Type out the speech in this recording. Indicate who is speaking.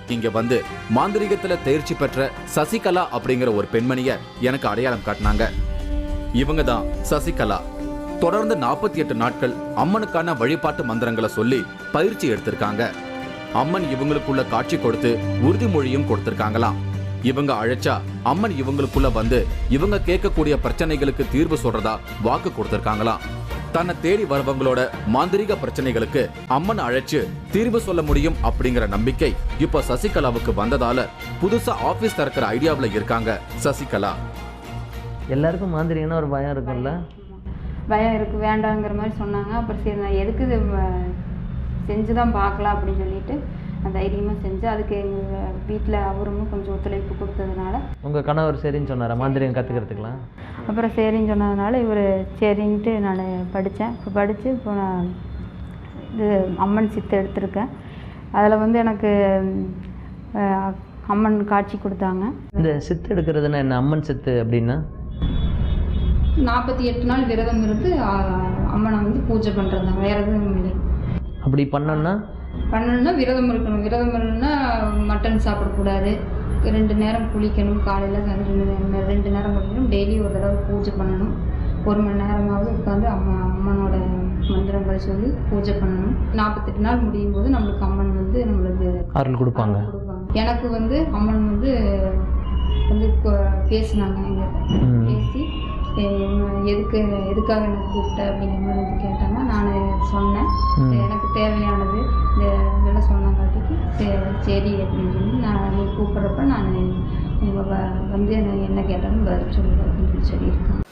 Speaker 1: இங்க வந்து மாந்திரிகத்துல தேர்ச்சி பெற்ற சசிகலா அப்படிங்கிற ஒரு பெண்மணிய எனக்கு அடையாளம் காட்டினாங்க. இவங்க தான் சசிகலா. தொடர்ந்து 48 நாட்கள் அம்மனுக்கான வழிபாட்டு மந்திரங்களை சொல்லி பயிற்சி எடுத்திருக்காங்க. அம்மன் இவங்களுக்குள்ள காட்சி கொடுத்து உறுதிமொழியும் கொடுத்திருக்காங்களாம். இவங்க அழைச்சா அம்மன் இவங்களுக்குள்ள வந்து இவங்க கேட்கக்கூடிய பிரச்சனைகளுக்கு தீர்வு சொல்றதா வாக்கு கொடுத்திருக்காங்களாம். தன்னை தேடி வரவங்களோட மாந்திரிக பிரச்சனைகளுக்கு அம்மன் அழைச்சு தீர்வு சொல்ல முடியும் அப்படிங்கிற நம்பிக்கை இப்ப சசிகலாவுக்கு வந்ததால புதுசா ஆபீஸ் திறக்கிற ஐடியாவில் இருக்காங்க சசிகலா.
Speaker 2: எல்லாருக்கும் மாந்திரிகன்னா ஒரு பயம் இருக்கும்ல?
Speaker 3: பயம் இருக்குது, வேண்டாங்கிற மாதிரி சொன்னாங்க. அப்புறம் சரி நான் எதுக்கு இது செஞ்சு தான் பார்க்கலாம் அப்படின்னு சொல்லிட்டு நான் தைரியமாக செஞ்சேன். அதுக்கு எங்கள் வீட்டில் அவரும் கொஞ்சம் ஒத்துழைப்பு கொடுத்ததுனால.
Speaker 2: உங்கள் கணவர் சரின்னு சொன்னாரா மாந்திரிகம் கற்றுக்கிறதுக்கலாம்?
Speaker 3: அப்புறம் சரின்னு சொன்னதுனால இவர் சரின்ட்டு நான் படித்தேன். இப்போ படித்து இப்போ நான் இது அம்மன் சித்து எடுத்திருக்கேன். அதில் வந்து எனக்கு அம்மன் காட்சி கொடுத்தாங்க.
Speaker 2: இந்த சித்து எடுக்கிறதுனா என்ன? அம்மன் சித்து அப்படின்னா
Speaker 3: 48 நாள் விரதம் இருந்து அம்மனை வந்து பூஜை பண்ணுறது, வேறு எதுவும் இல்லை.
Speaker 2: அப்படி பண்ணணும்னா
Speaker 3: விரதம் இருக்கணும். விரதம் இல்லைன்னா மட்டன் சாப்பிடக்கூடாது, 2 நேரம் குளிக்கணும், காலையில் 2 நேரம் குளிக்கணும், டெய்லி ஒரு தடவை பூஜை பண்ணணும், 1 மணி நேரமாவது உட்காந்து அம்மனோட மந்திரங்களை சொல்லி பூஜை பண்ணணும். 48 நாள் முடியும் போது நம்மளுக்கு அம்மன் வந்து நம்மளுக்கு
Speaker 2: அருள் கொடுப்பாங்க.
Speaker 3: எனக்கு வந்து அம்மன் வந்து பேசினாங்க. எங்கிட்ட பேசி எதுக்காக எனக்கு கூப்பிட்ட அப்படிங்கிற மாதிரி வந்து கேட்டாங்க. நான் சொன்னேன் எனக்கு தேவையானது இதெல்லாம் சொன்னங்காட்டிக்கு சரி அப்படின்னு சொல்லி நான் நீ கூப்பிட்றப்ப நான் உங்கள் வந்து என்ன கேட்டாலும் பதில் சொல்லுவேன் அப்படின்னு சொல்லியிருக்கேன்.